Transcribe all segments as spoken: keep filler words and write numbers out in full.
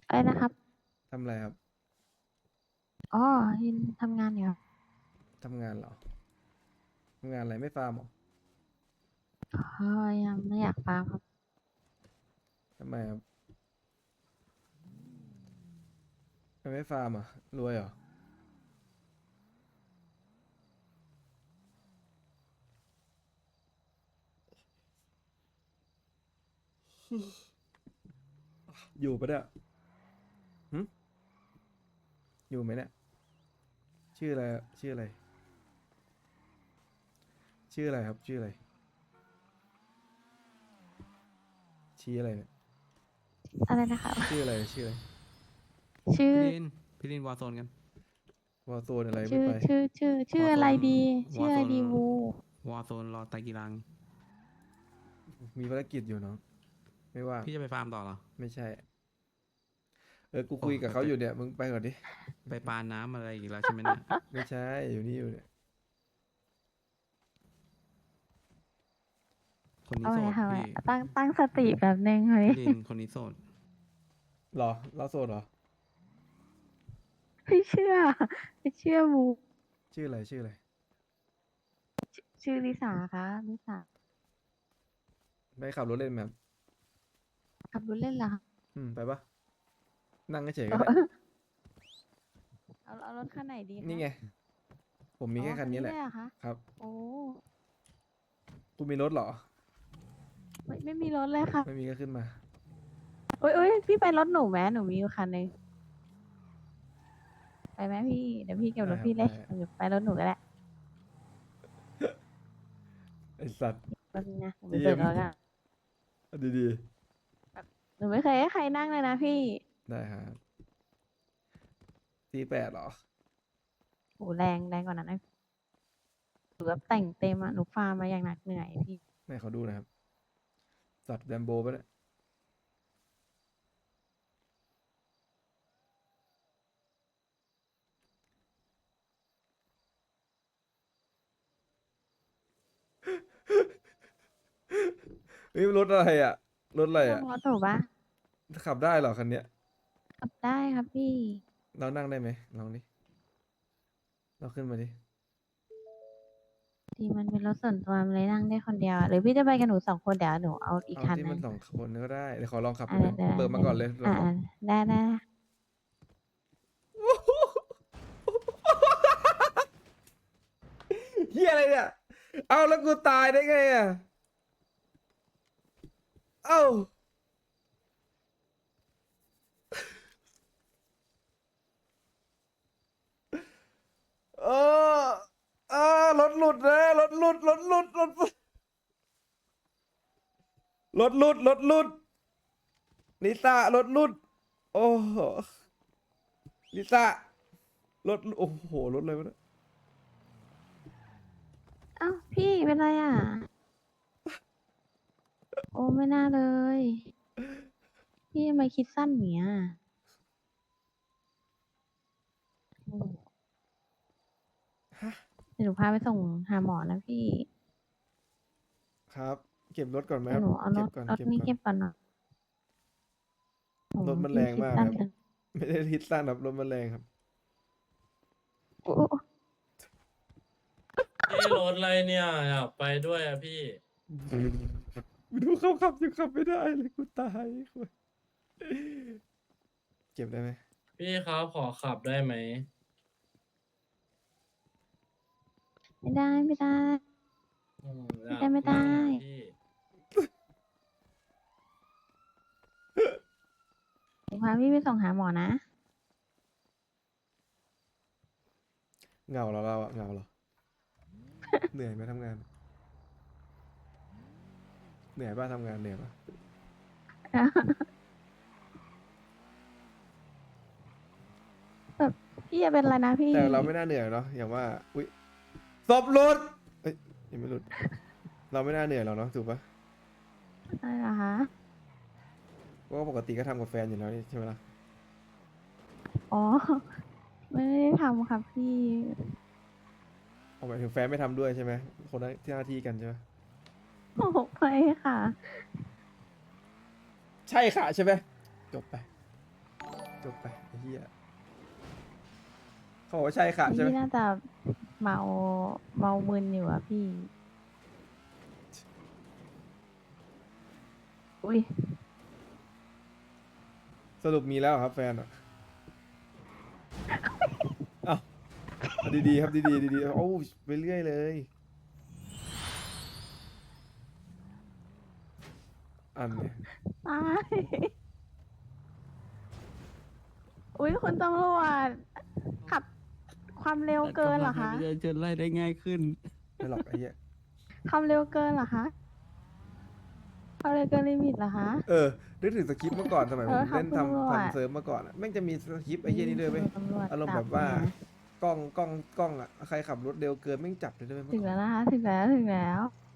อะไรนะครับทำอะไรครับอ๋อยินทำงานอยู่ครับทำงานเหรอทำงานอะไรไม่ฟาร์มเหรออ๋อยังไม่อยากฟาร์มครับทำไมครับทำไมไม่ฟาร์มอ่ะรวยเหรออยู่ปะเนี่ยหึอยู่ไหมเนี่ยชื่ออะไรอะชื่ออะไรชื่ออะไรครับชื่ออะไรชี้อะไรเนี่ยอะไรนะครับชื่ออะไรชื่ออะไรชื่อพี่ลินพี่ลินวอร์โซนกันวอลโซนอะไรไม่ชื่อไปชื่อชื่อชื่วอร์โซนออะไรดีวอร์โซนชื่ออะไรดีวูวอร์โซนรอไตรกีรังมีภารกิจอยู่เนาะไม่ว่างพี่จะไปฟาร์มต่อเหรอไม่ใช่เออกูโอ้คุยกับไปไปเขาอยู่เนี่ยมึงไปก่อนดิไปปาน้ำอะไรอีกแล้วใช่ไหมเนี่ยไม่ใช่อยู่นี่อยู่เนี่ยคนนี้เอาโสดไงค่ะพี่ตั้งตั้งสติแบบนึงเฮ้ยพี่ลินคนนี้โสดหรอเราโซนเหรอไม่เชื่อไม่เชื่อวูชื่ออะไรชื่ออะไรชื่อลิสาคะลิสาไปขับรถเล่นไหมครับขับรถเล่นเหรอคะอืมไปปะนั่งเฉยๆเอก็ได้อเอาเอารถคันไหนดีคะนี่ไงผมมีอ๋อแค่คันนี้แหละเลยเหรอคะครับโอ้คุณมีรถเหรอไม่ไม่มีรถเลยค่ะไม่มีก็ขึ้นมาโอ้ยโอ้ยพี่ไปรถหนูไหมหนูมีอยู่คันหนึงไปไหมพี่เดี๋ยวพี่เก็บได้รถครับได้พี่เลยหรือไปรถหนูก็ได้ไอสัตว์แป๊บนึงนะหนูไปจีมเปิดรถก่อนเอาดีหนูไม่เคยให้ใครนั่งเลยนะพี่ๆได้ครับทีแปดเหรอโหแรงแรงกว่านั้นนะหนูแบบแต่งเต็มอะหนูฟาร์มมาอย่างหนักเหนื่อยพี่ไม่เขาดูนะครับสัตว์แลมโบปะเนี่ยเฮ้ยรถอะไรอ่ะรถอะไรอ่ะนั่งรถหนูปะขับได้เหรอคันเนี้ยขับได้ครับพี่เรานั่งได้ไหมลองดิเราขึ้นมาดิดีมันเป็นรถส่วนตัวมันเลยนั่งได้คนเดียวอะหรือพี่จะไปกับหนูสองคนเดี๋ยวหนูเอาอีกเอาคันหนึ่งที่มันสองคนก็ได้เดี๋ยวขอลองขับอ่าได้ไหมได้เปิดมาได้ก่อนเลยลออ่างขับได้ได้เฮียอะไรเนี่ยเอาแล้วกูตายได้ไงอ่ะเอ้าเออเออรถหลุดเลยรถหลุดรถหลุดรถหลุดรถหลุดรถหลุดลิซ่ารถหลุดโอ้โหลิซ่ารถโอ้โหรถอะไรวะเนี่ยเอ้าพี่เป็นไรอ่ะโอ้ไม่น่าเลยพี่ทำไมคิดสั้นอย่างเนี้ยโอ้เดี๋ยวหนูพาไปส่งหาหมอนะพี่ครับเก็บรถก่อนไหมครับเดี๋ยวหนูเอารเก็บถรถนี้ก่อนเก็บก่อนเก็บก่อนหน่อยโอ้รถมันแรพี่คิดงมากครับสั้นจังไม่ได้ทิศสั้นครับรถมันแรงครับโอ้พี่รถอะไรเนี่ยอยากไปด้วยอะพี่ดูเขาขับยังขับไม่ได้เลยกูตายเก็บได้ไหมพี่ครับขอขับได้ไหมไม่ได้ไม่ได้อืมอไม่ยาได้ไม่ได้กไปอะพี่เดี๋ยวพาพี่ไปส่งหาหมอนะเหงาเหรอเราอะเหงาเหรอ เหนื่อยไหมทำงาน เหนื่อยป่ะทำงานเหนื่อยป่ะแบบพี่จะเป็นอะไรนะพี่แต่เราไม่น่าเหนื่อยเนาะอย่างว่าอุ้ยศพหลุดเอ้ยยังไม่หลุดเราไม่น่าเหนื่อยหรอกเนาะถูกปะอะไรเหรอคะเพราะว่าปกติก็ทำกับแฟนอยู่แล้วนี่ใช่ไหมล่ะอ๋อ ไม่ได้ทำครับพี่เอาหมายถึงแฟนไม่ทำด้วยใช่ไหมคนละที่หน้าที่กันใช่ไหมโอ้ไม่ค่ะใช่ค่ะใช่ไหมจบไปจบไปไอ้เหี้ยเขาบอกว่าใช่ค่ะใช่ไหมพี่น่าจะเมาเมามึนอยู่อะพี่ อุ้ยสรุปมีแล้วเหรอครับแฟนอ่ะเอ้าเอาดีๆครับดีๆดีๆโอ้ยไปเรื่อยเลยอันเนี่ยตาย อุ้ยคุณตำรวจขับความเร็วเกินเหรอคะกำลังจะจะไล่ได้ง่ายขึ้นไม่หรอกไอ้เหี้ยความเร็วเกินเหรอคะความเร็วเกินลิมิตเหรอคะเออนึกถึงสคริปต์เมื่อก่อนสมัยผเออมครับเล่นคุณตำรวจทำทำเซิร์ฟเมื่อก่อนอะแม่งจะมีสคริปต์ไอ้เหี้ยนี่ด้วยไหมตำรวจอารมณ์จัแบบว่าไงกล้องกล้องกล้องอ่ะใครขับรถเร็วเกินแม่งจับเลยด้วยเมื่ถึอง ก่อแล้นวนะคะ ถึงแล้วถึงแล้ว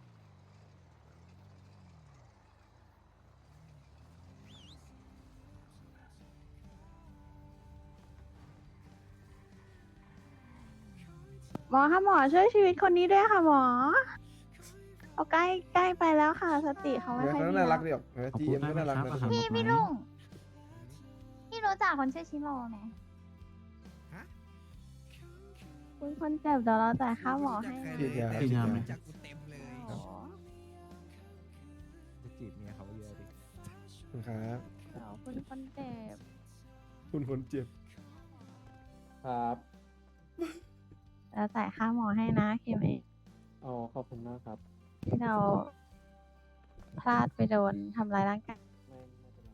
หมอคะหมอช่วยชีวิตคนนี้ด้วยค่ะหมอเอาใกล้ใกล้ไปแล้วค่ะ สติเขาไม่เดี๋ยวค่อยเขาดีน่ารัแล้กวดีออกนะขอบทีคุเอ็ณมก็น่ารักมากนะครับพี่พี่ลุงพี่รู้จักคนชื่อชิโร่ไหมคุณคนเจ็บเดี๋ยวเราจ่ายค่าหมอให้นะฉีดยาฉีดยาไหมฉีดโอ้จะจีบเมียเขาเยอะดิครับเดี๋ยวคุณคนเจ็บคุณคนเจ็บครับเราจ่ายค่าหมอให้นะเคมเออ๋อขอบคุณมากครับที่เราพลาดไปโดนทำร้ายร่างกายไม่ไม่เป็นไร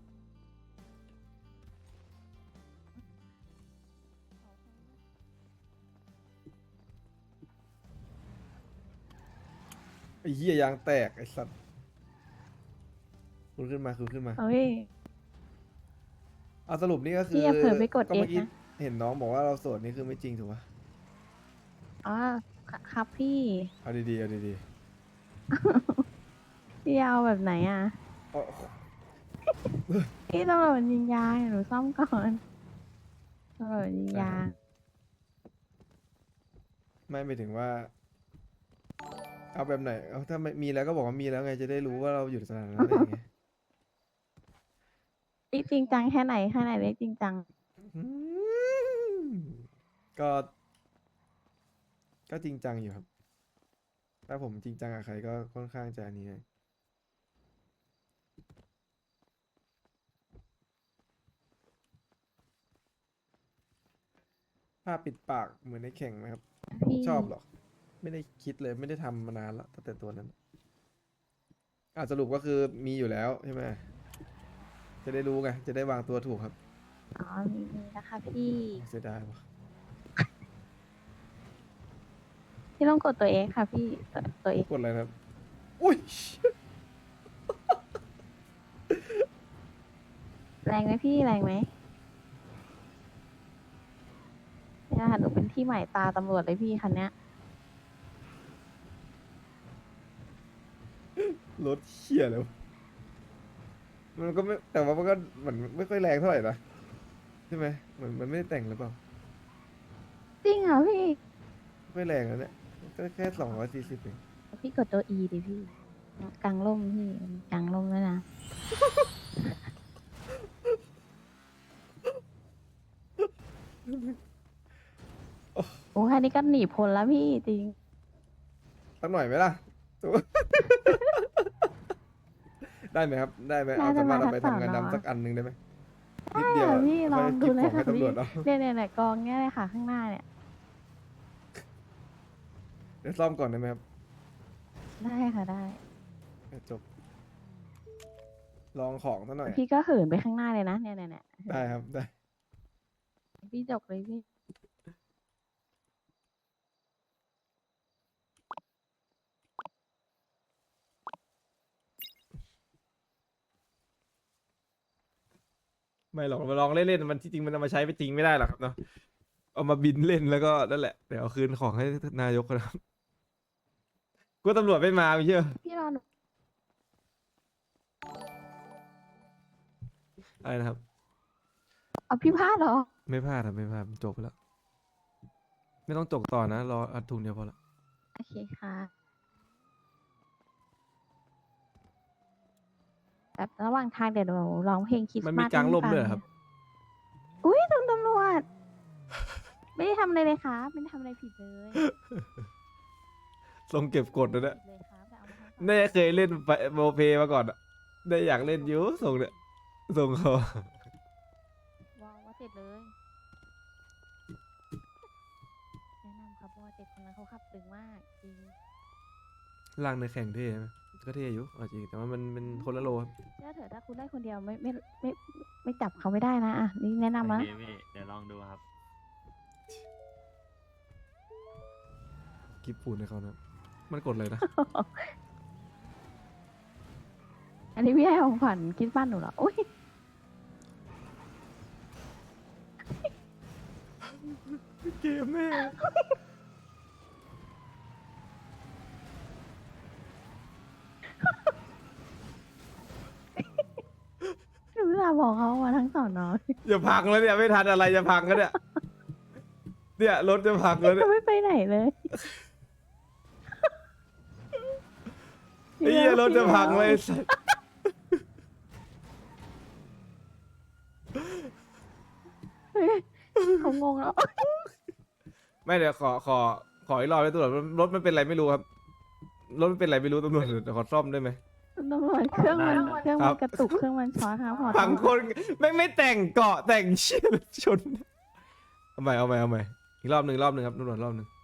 ไอ้เหี้ยยางแตกไอ้สัตว์คุณขึ้นมาคุณขึ้นมาเฮ้ยเอาสรุปนี่ก็คือพี่อย่าเผลอไปกดเมื่อ X กี้นะเห็นน้องบอกว่าเราโสดนี่คือไม่จริงถูกปะอ๋อครับพี่เอาดีๆเอาดีพี่เอาแบบไหนอ่ะๆเอาพี่ตำรวจยิงยางหนูซ่อมก่อนตำรวจยิงยางไม่ไปถึงว่า เอาแบบไหนเอาถ้าไม่มีแล้วก็บอกว่ามีแล้วไงจะได้รู้ว่าเราอยู่สถานะไหนไงพี่จริงจังแค่ไหนแค่ไหนเรียกจริงจังอืมก็ ก็จริงจังอยู่ครับ ถ้าผมจริงจังกับใครก็ค่อนข้างจะอันนี้ไงผ้าปิดปากเหมือนในแข่งไหมครับพี่ชอบหรอ ไม่ได้คิดเลยไม่ได้ทำมานานแล้วตั้งแต่ตัวนั้นอ่ะสรุปก็คือมีอยู่แล้วใช่ไหมจะได้รู้ไง จะได้วางตัวถูกครับอ๋อมีมีนะคะพี่เสียดายวะพี่ต้องกดตัวเองค่ะพี่ตัวตัวเองกดอะไรนะครับ อุ้ยแรงไหมพี่แรงไหมเนี่ยค่ะหนูเป็นที่หมายตาตำรวจเลยพี่คันเนี้ยรถเชี่ยเลยวะมันก็ไม่แต่ว่ามันก็เหมือนไม่ค่อยแรงเท่าไหร่นะใช่ไหมเหมือนมันไม่ได้แต่งหรือเปล่าจริงเหรอพี่ไม่ค่อยแรงนะเนี่ยก็แค่สองร้อยสี่สิบเองพี่กดตัว E ดิพี่กลางร่มพี่กลางร่มแล้วยนะ โอ้แค่นี้ก็หนีพ้นแล้วพี่จริงสักหน่อยไหมล่ะ ได้ไหมครับ ได้ไหมเอาได้สามารถเอาไปได้ทำงานได้ดำสักอันหนึ่งได้ไหมได้นิดเดียวค่ะพี่ลองดูเลยค่อค่ะหบของให้พี่ตำรวจเอาเนี่ยเนี่ยเนี่ยกองเนี้ยเลยค่ะข้างหน้าเนี่ยเดี๋ยวซ่อมก่อนได้ไหมครับได้ค่ะได้จบ ลองของซะหน่อยพี่ก็เหินไปข้างหน้าเลยนะเนี่ยเนี่ยเนี่ยได้ครับ ได้พี่จกเลยพี่ไม่หรอกมาลองเล่นๆมันที่จริงมันเอามาใช้ไปจริงไม่ได้หรอกครับเนาะ เอามาบินเล่นแล้วก็นั่นแหละ เดี๋ยวเอาคืนของให้นายกนะครับกลัวตำรวจไม่มาไม่เชื่อพี่รอหนูอะไรนะครับเอาพี่พลาดเหรอไม่พลาดครับไม่พลาดจบไปแล้ว ไม่ต้องจกต่อนะ รออัดทุนเดียวพอละโอเคค่ะแบบระหว่างทางเดี๋ยวหนูร้องเพลงคริสต์มันมามีสกลางให้ร่มฟัด้วยเหรอครับอุ้ยคุณตำรวจ ไม่ได้ทำอะไรเลยครับไม่ได้ทำอะไรผิดเลยทรงเก็บกดนะเนี่ยผิดเลยครับแต่เอามาทำต่อน่าจะเคยเล่นไปโมเพมาก่อนอะได้อยากเล่นอยูทรงเนี่ยทรงเขาว้าวว่าเจ็ดเลย แนะนำครับว่าเจ็ดคนนั้นเขาขับตึงมากจริงล่างในแข่งเท่ไหมก็เท่อยู่เอาจริงแต่ว่ามันเป็นคนละโลครับเชื่อเถอะถ้าคุณได้คนเดียวไม่ไม่ไม่ไม่ไม่จับเขาไม่ได้นะอ่ะนี่แนะนำโอนะเคพี่เดี๋ยวลองดูครับกิฟปูนให้เขานะมันกดเลยนะอันนี้พี่ให้ของขวัญคิดบ้านหนูเหรออุ้ยเกมแม่หนูจะบอกเขามาทั้งสอนน้อยอย่าพังแล้วเนี่ยไม่ทันอะไรจะพังแล้วเนี่ยเนี่ยรถจะพังแล้วเนี่ยจะไม่ไปไหนเลยไอ้เหี้ยรถจะพังเลยไอ้สัสเฮ้ยเขางงแล้วไม่เดี๋ยวขอขอขออีกรอบเลยตำรวจรถมันเป็นอะไรไม่รู้ครับรถมันเป็นอะไรไม่รู้ตำรวจเดี๋ยวขอซ่อมได้ไหมตำรวจเครื่องมันได้เครื่องครัมันบกระตุกเครื่องมันช็อตครับขอโทพังษคนไม่งไม่แต่งเกาะแต่งเชี่ยชนเอาใหม่เอาใหม่เอาใหม่อีกรอบหนึ่งรอบหนึ่งครับตำรวจรอบหนึ่ง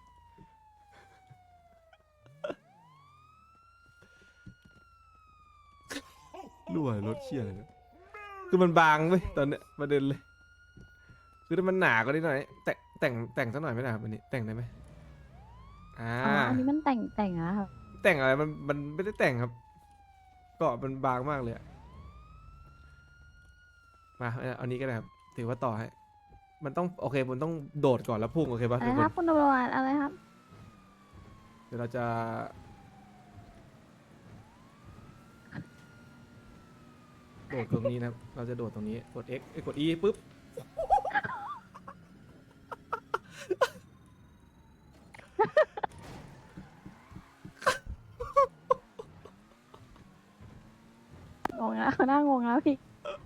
รั่วรถเชี่ยอะไรเนี่ยคือมันบางเว้ยตอนเนี้ยประเด็นเลย คือถ้ามันหนาก็ได้หน่อย แต่งแต่งแต่งสักหน่อยไม่ได้ครับอันนี้แต่งได้ไหมอ่าอ๋ออันนี้มันแต่งแต่งอะครับแต่งอะไรมันมันไม่ได้แต่งครับเกาะมันบางมากเลยอะมาเอาอันนี้ก็ได้ครับถือว่าต่อให้ มันต้องโอเคมันต้องโดดก่อนแล้วพุ่งโอเคป่ะอะไรทุกคครันบคุณตำรวจอะไรครับเดี๋ยวเราจะ โดดตรงนี้นะครับ เราจะโดดตรงนี้ กด X เอ้ยกด E ปุ๊บงงแล้วเขาหน้างงแล้วพี่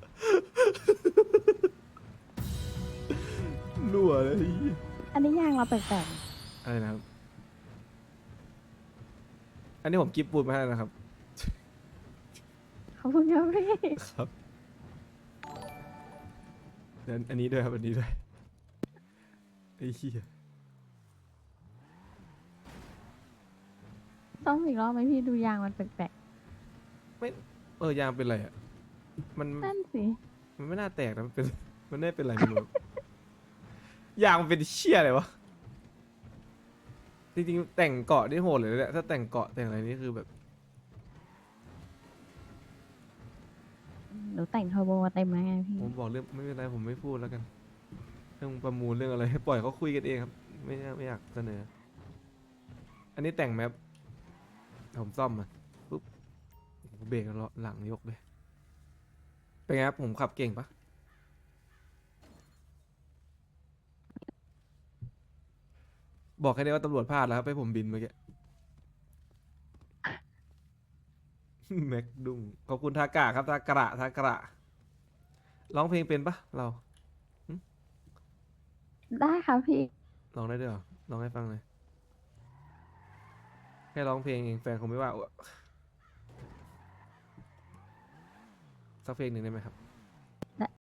รั่วเลยอันนี้ยางเราแปลกอะไรนะครับ อันนี้ผมกิฟต์ปูนมาให้นะครับๆขอบคุณครับพี่ครับเดี๋ยวอันนี้ด้วยครับ อันนี้ด้วยไอ้เหี้ยต้องอีกรอบไหมพี่ดูยางมันแปลกเออยางเป็นไรอ่ะ มันๆนั่นสิมันไม่น่าแตกนะ มันเป็น มันไม่เป็นไรไม่รู้ ยางมันเป็นเชี่ยอะไรวะ จริงๆแต่งเกาะนี่โหดเลยนะเนี่ยถ้าแต่งเกาะแต่งอะไรนี่คือแบบหนูแต่งเทอร์โบมาเต็มแล้วไงพี่ผมบอกเรื่องไม่เป็นไรผมไม่พูดแล้วกัน เรื่องประมูลเรื่องอะไรให้ปล่อยเขาคุยกันเองครับ ไม่อยากไม่อยากเสนอ อันนี้แต่งแมปผมซ่อมมาปุ๊บโอ้โหเบรกแล้วหลังยกเลย เป็นไงครับผมขับเก่งปะบอกแค่นี้ว่าตำรวจพลาดแล้วครับให้ผมบินเมื่อกี้ แม็กดุ้งขอบคุณทากะครับทากระทากระร้องเพลงเป็นปะเราได้ครับพี่ร้องได้ด้วยเหรอร้องให้ฟังหน่อยแค่ร้องเพลงเองแฟนคงไม่ว่าสักเพลงหนึ่งได้ไหมครับ